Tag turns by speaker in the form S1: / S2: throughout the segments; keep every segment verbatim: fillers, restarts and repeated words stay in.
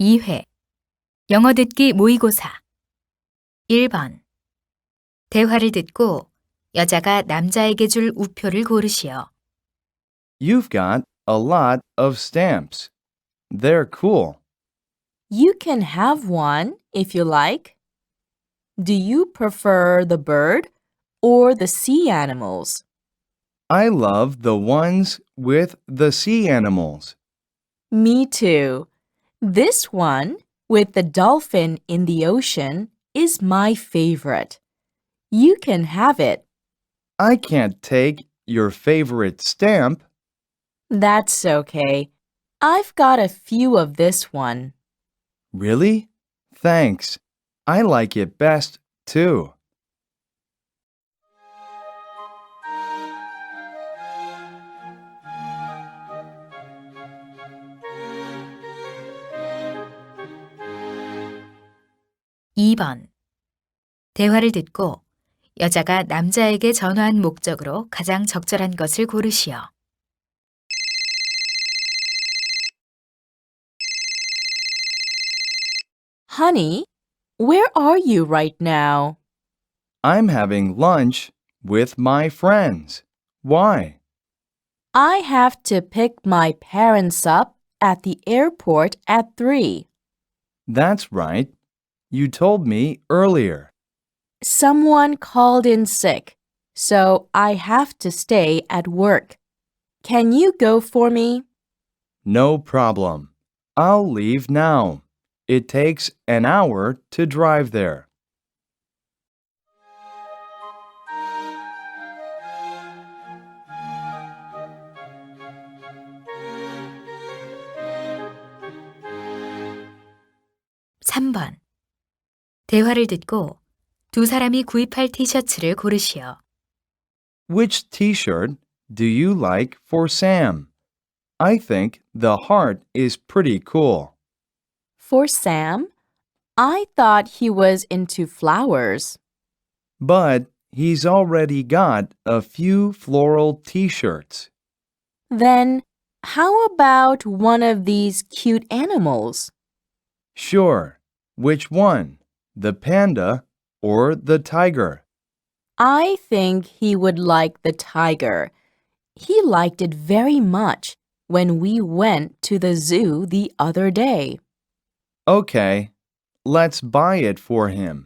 S1: 이 회 영어 듣기 모의고사 일 번 대화를 듣고 여자가 남자에게 줄 우표를 고르시오.
S2: You've got a lot of stamps. They're cool.
S3: You can have one if you like. Do you prefer the bird or the sea animals?
S2: I love the ones with the sea animals.
S3: Me too. This one with the dolphin in the ocean is my favorite. You can have it.
S2: I can't take your favorite stamp.
S3: That's okay. I've got a few of this one.
S2: Really? Thanks. I like it best, too.
S1: 이 번 대화를 듣고 여자가 남자에게 전화한 목적으로 가장 적절한 것을 고르시오.
S3: Honey, where are you right now?
S2: I'm having lunch with my friends. Why?
S3: I have to pick my parents up at the airport at three.
S2: That's right. You told me earlier.
S3: Someone called in sick, so I have to stay at work. Can you go for me?
S2: No problem. I'll leave now. It takes an hour to drive there.
S1: 삼 번 대화를 듣고 두 사람이 구입할 티셔츠를 고르시오.
S2: Which t-shirt do you like for Sam? I think the heart is pretty cool.
S3: For Sam? I thought he was into flowers.
S2: But he's already got a few floral t-shirts.
S3: Then, how about one of these cute animals?
S2: Sure. Which one? The panda or the tiger?
S3: I think he would like the tiger. He liked it very much when we went to the zoo the other day.
S2: Okay, let's buy it for him.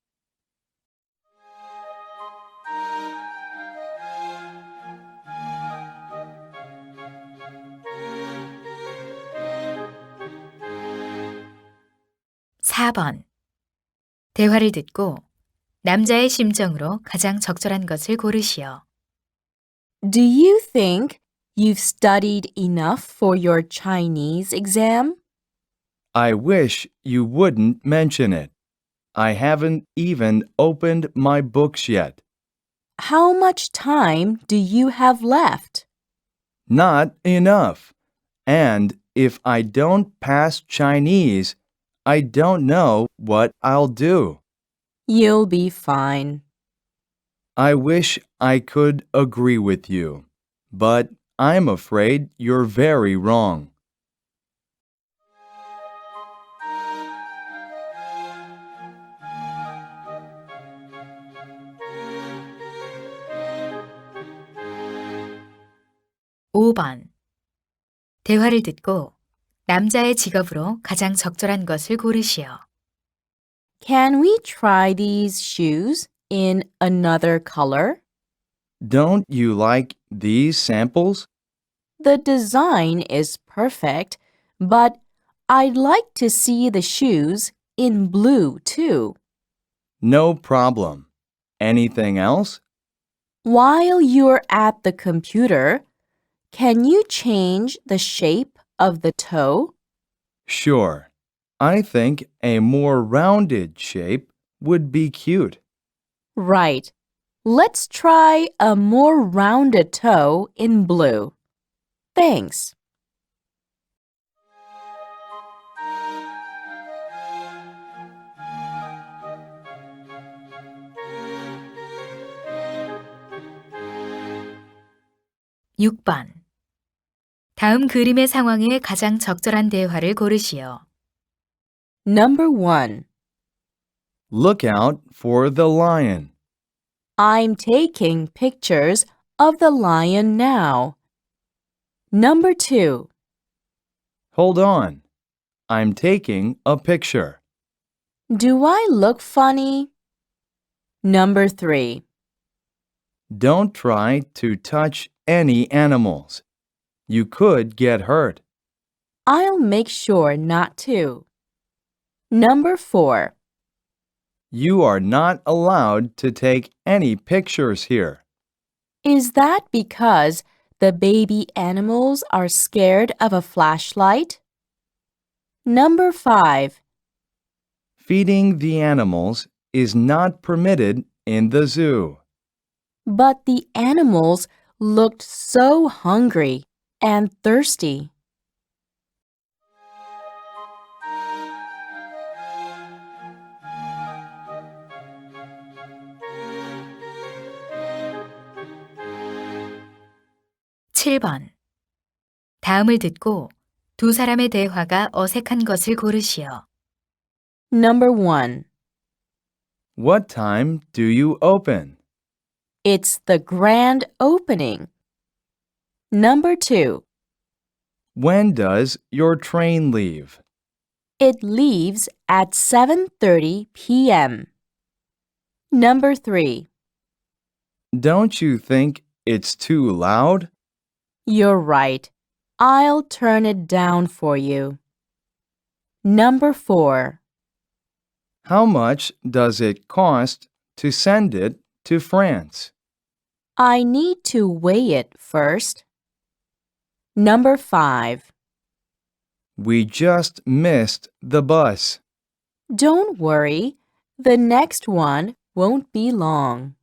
S1: 사 번 대화를 듣고 남자의 심정으로 가장 적절한 것을 고르시오.
S3: Do you think you've studied enough for your Chinese exam?
S2: I wish you wouldn't mention it. I haven't even opened my books yet.
S3: How much time do you have left?
S2: Not enough. And if I don't pass Chinese, I don't know what I'll do.
S3: You'll be fine.
S2: I wish I could agree with you, but I'm afraid you're very wrong.
S1: 오 번 대화를 듣고 남자의 직업으로 가장 적절한 것을 고르시오.
S3: Can we try these shoes in another color?
S2: Don't you like these samples?
S3: The design is perfect, but I'd like to see the shoes in blue too.
S2: No problem. Anything else?
S3: While you're at the computer, can you change the shape of the toe?
S2: Sure. I think a more rounded shape would be cute.
S3: Right. Let's try a more rounded toe in blue. Thanks.
S1: 육 번 다음 그림의 상황에 가장 적절한 대화를 고르시오.
S3: Number one.
S2: Look out for the lion.
S3: I'm taking pictures of the lion now. Number two.
S2: Hold on. I'm taking a picture.
S3: Do I look funny? Number three.
S2: Don't try to touch any animals. You could get hurt.
S3: I'll make sure not to. Number four.
S2: You are not allowed to take any pictures here.
S3: Is that because the baby animals are scared of a flashlight? Number five.
S2: Feeding the animals is not permitted in the zoo.
S3: But the animals looked so hungry and thirsty.
S1: 칠 번. 다음을 듣고 두 사람의 대화가 어색한 것을 고르시오.
S3: Number one.
S2: What time do you open?
S3: It's the grand opening. Number two.
S2: When does your train leave?
S3: It leaves at seven thirty p m Number three.
S2: Don't you think it's too loud?
S3: You're right. I'll turn it down for you. Number four.
S2: How much does it cost to send it to France?
S3: I need to weigh it first. Number five.
S2: We just missed the bus.
S3: Don't worry. The next one won't be long.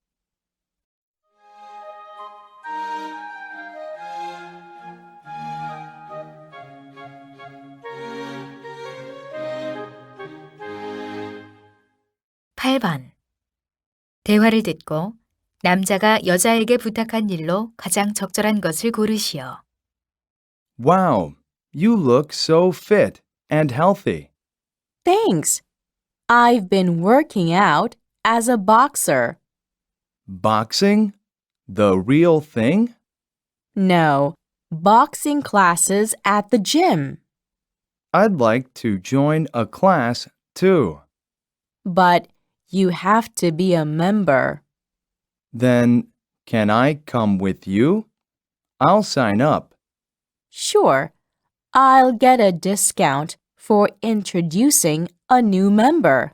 S1: 팔 번. 대화를 듣고 남자가 여자에게 부탁한 일로 가장 적절한 것을 고르시오.
S2: Wow, you look so fit and healthy.
S3: Thanks. I've been working out as a boxer.
S2: Boxing? The real thing?
S3: No, boxing classes at the gym.
S2: I'd like to join a class too.
S3: But you have to be a member.
S2: Then, can I come with you? I'll sign up.
S3: Sure, I'll get a discount for introducing a new member.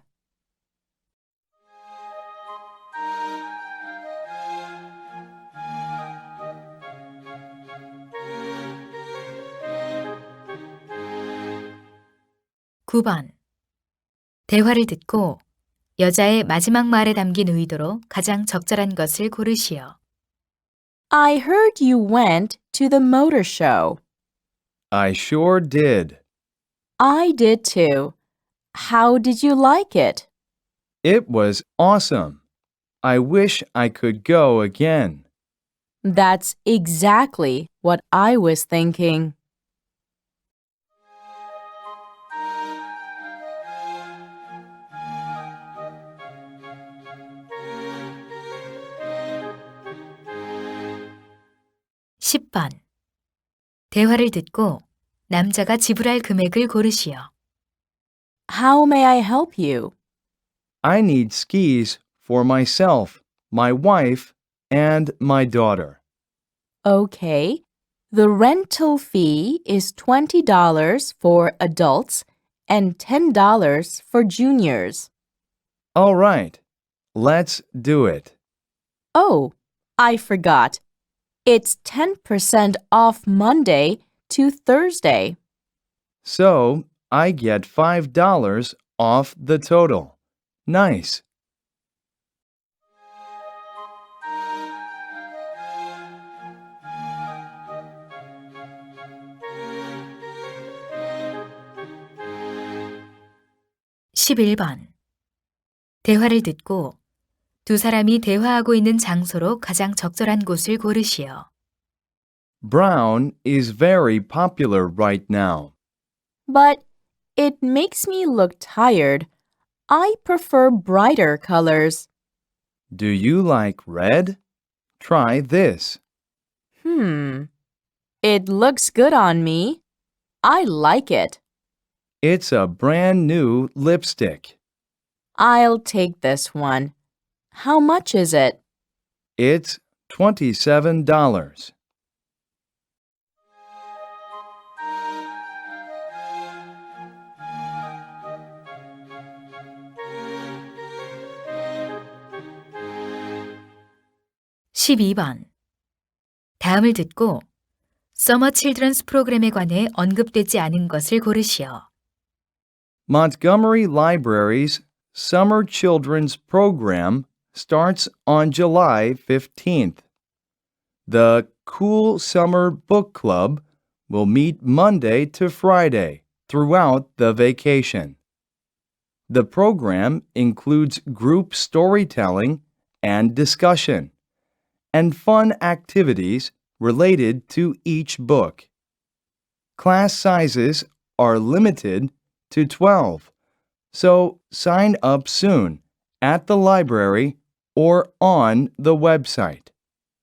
S1: 구 번. 대화를 듣고 여자의 마지막 말에 담긴 의도로 가장 적절한 것을 고르시오.
S3: I heard you went to the motor show.
S2: I sure did.
S3: I did too. How did you like it?
S2: It was awesome. I wish I could go again.
S3: That's exactly what I was thinking.
S1: 십 번. 대화를 듣고 남자가 지불할 금액을 고르시오.
S3: How may I help you?
S2: I need skis for myself, my wife, and my daughter.
S3: Okay. The rental fee is twenty dollars for adults and ten dollars for juniors.
S2: All right, let's do it.
S3: Oh, I forgot. It's ten percent off Monday to Thursday.
S2: So, I get five dollars off the total. Nice.
S1: 십일 번. 대화를 듣고 두 사람이 대화하고 있는 장소로 가장 적절한 곳을 고르시오.
S2: Brown is very popular right now.
S3: But It makes me look tired. I prefer brighter colors.
S2: Do you like red? Try this.
S3: Hmm. It looks good on me. I like it.
S2: It's a brand new lipstick.
S3: I'll take this one. How much is it?
S2: It's twenty-seven dollars.
S1: 십이 번. 다음을 듣고 서머 칠드런스 프로그램에 관해 언급되지 않은 것을 고르시오.
S2: Montgomery Library's Summer Children's Program starts on July fifteenth. The Cool Summer Book Club will meet Monday to Friday throughout the vacation. The program includes group storytelling and discussion, and fun activities related to each book. Class sizes are limited to twelve, so sign up soon at the library or on the website.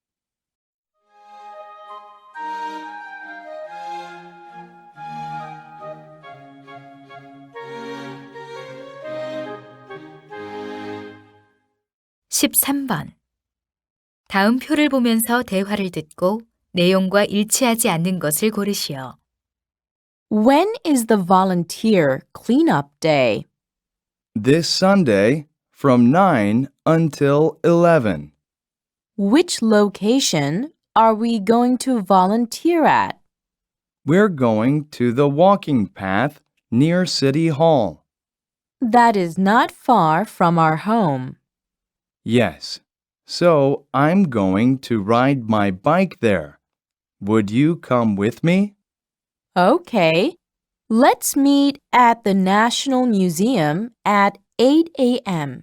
S1: 십삼 번. 다음 표를 보면서 대화를 듣고 내용과 일치하지 않는 것을 고르시오.
S3: When is the volunteer cleanup day?
S2: This Sunday from nine until eleven.
S3: Which location are we going to volunteer at?
S2: We're going to the walking path near City Hall.
S3: That is not far from our home.
S2: Yes, so I'm going to ride my bike there. Would you come with me?
S3: Okay. Let's meet at the National Museum at eight a.m.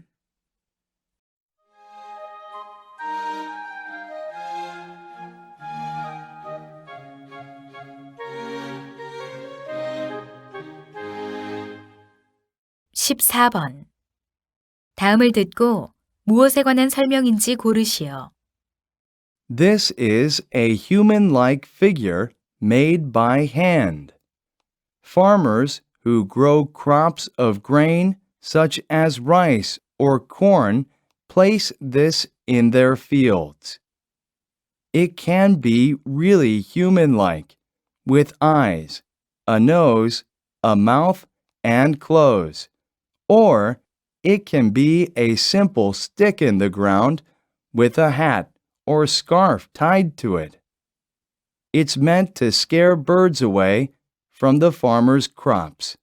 S1: 십사 번. 다음을 듣고 무엇에 관한 설명인지 고르시오.
S2: This is a human-like figure made by hand. Farmers who grow crops of grain such as rice or corn place this in their fields. It can be really human-like, with eyes, a nose, a mouth, and clothes. Or it can be a simple stick in the ground with a hat or scarf tied to it. It's meant to scare birds away from the farmer's crops.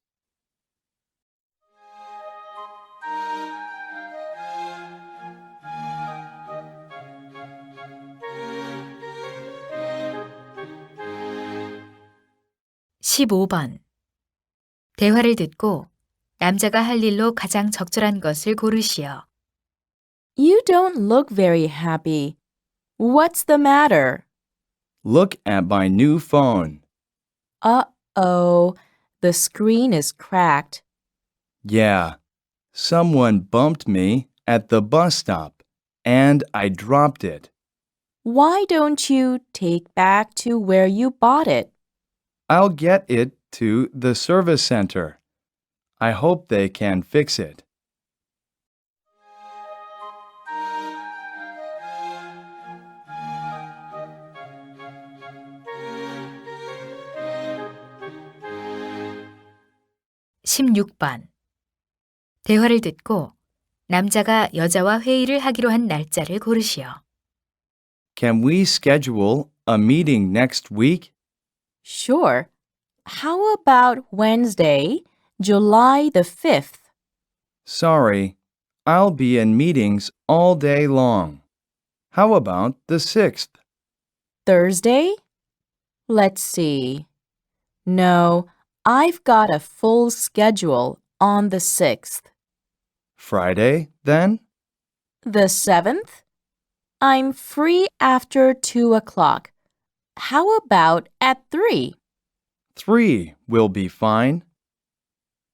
S1: 십오 번. 대화를 듣고 남자가 할 일로 가장 적절한 것을 고르시오.
S3: You don't look very happy. What's the matter?
S2: Look at my new phone.
S3: Uh-oh, the screen is cracked.
S2: Yeah, someone bumped me at the bus stop, and I dropped it.
S3: Why don't you take back to where you bought it?
S2: I'll get it to the service center. I hope they can fix it.
S1: 십육 번. 대화를 듣고 남자가 여자와 회의를 하기로 한 날짜를 고르시오.
S2: Can we schedule a meeting next week?
S3: Sure. How about Wednesday, July the fifth?
S2: Sorry, I'll be in meetings all day long. How about the sixth?
S3: Thursday? Let's see. No, I've got a full schedule on the sixth.
S2: Friday, then?
S3: The seventh? I'm free after two o'clock. How about at three?
S2: Three will be fine.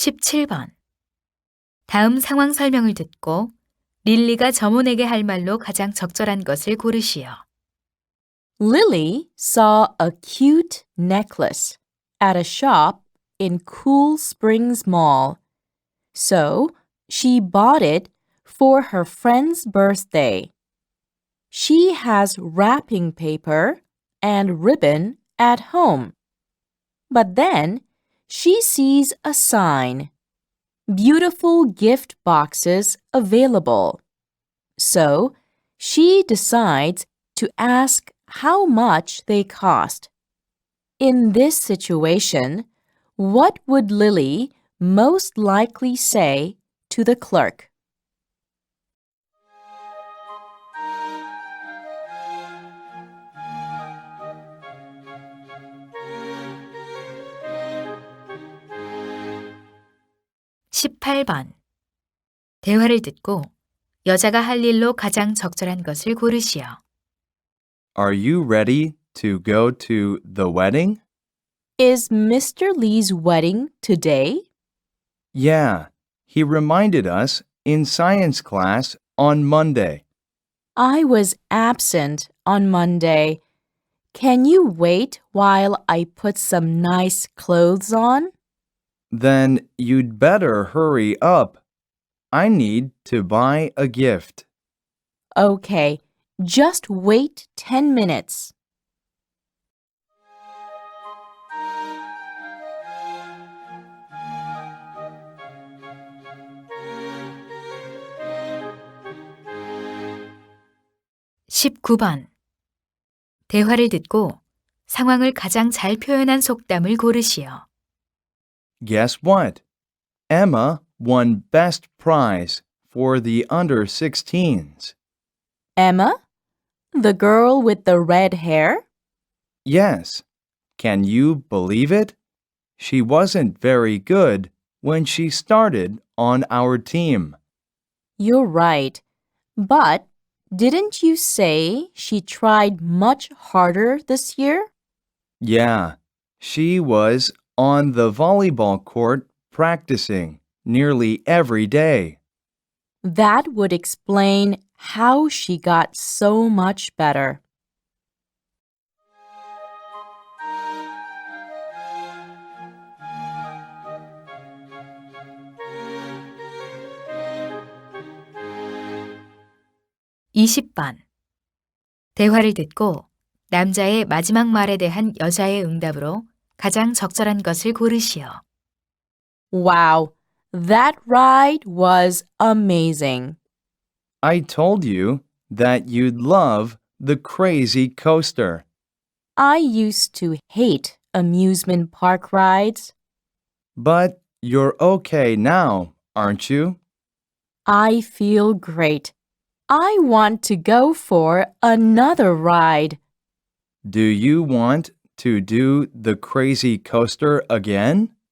S1: 십칠 번. 다음 상황 설명을 듣고 릴리가 점원에게 할 말로 가장 적절한 것을 고르시오.
S3: Lily saw a cute necklace at a shop in Cool Springs Mall. So she bought it for her friend's birthday. She has wrapping paper and ribbon at home. But then she sees a sign. Beautiful gift boxes available. So she decides to ask how much they cost. In this situation, what would Lily most likely say to the clerk?
S1: 십팔 번. 대화를 듣고 여자가 할 일로 가장 적절한 것을 고르시오.
S2: Are you ready to go to the wedding?
S3: Is Mister Lee's wedding today?
S2: Yeah, he reminded us in science class on Monday.
S3: I was absent on Monday. Can you wait while I put some nice clothes on?
S2: Then you'd better hurry up. I need to buy a gift.
S3: Okay, just wait ten minutes.
S1: 십구 번. 대화를 듣고 상황을 가장 잘 표현한 속담을 고르시오.
S2: Guess what? Emma won best prize for the under sixteens.
S3: Emma? The girl with the red hair?
S2: Yes. Can you believe it? She wasn't very good when she started on our team.
S3: You're right. But didn't you say she tried much harder this year?
S2: Yeah, she was on the volleyball court practicing nearly every day.
S3: That would explain how she got so much better.
S1: 이십 번. 대화를 듣고 남자의 마지막 말에 대한 여자의 응답으로 가장 적절한 것을 고르시오.
S3: Wow, that ride was amazing.
S2: I told you that you'd love the crazy coaster.
S3: I used to hate amusement park rides.
S2: But you're okay now, aren't you?
S3: I feel great. I want to go for another ride.
S2: Do you want to do the crazy coaster again?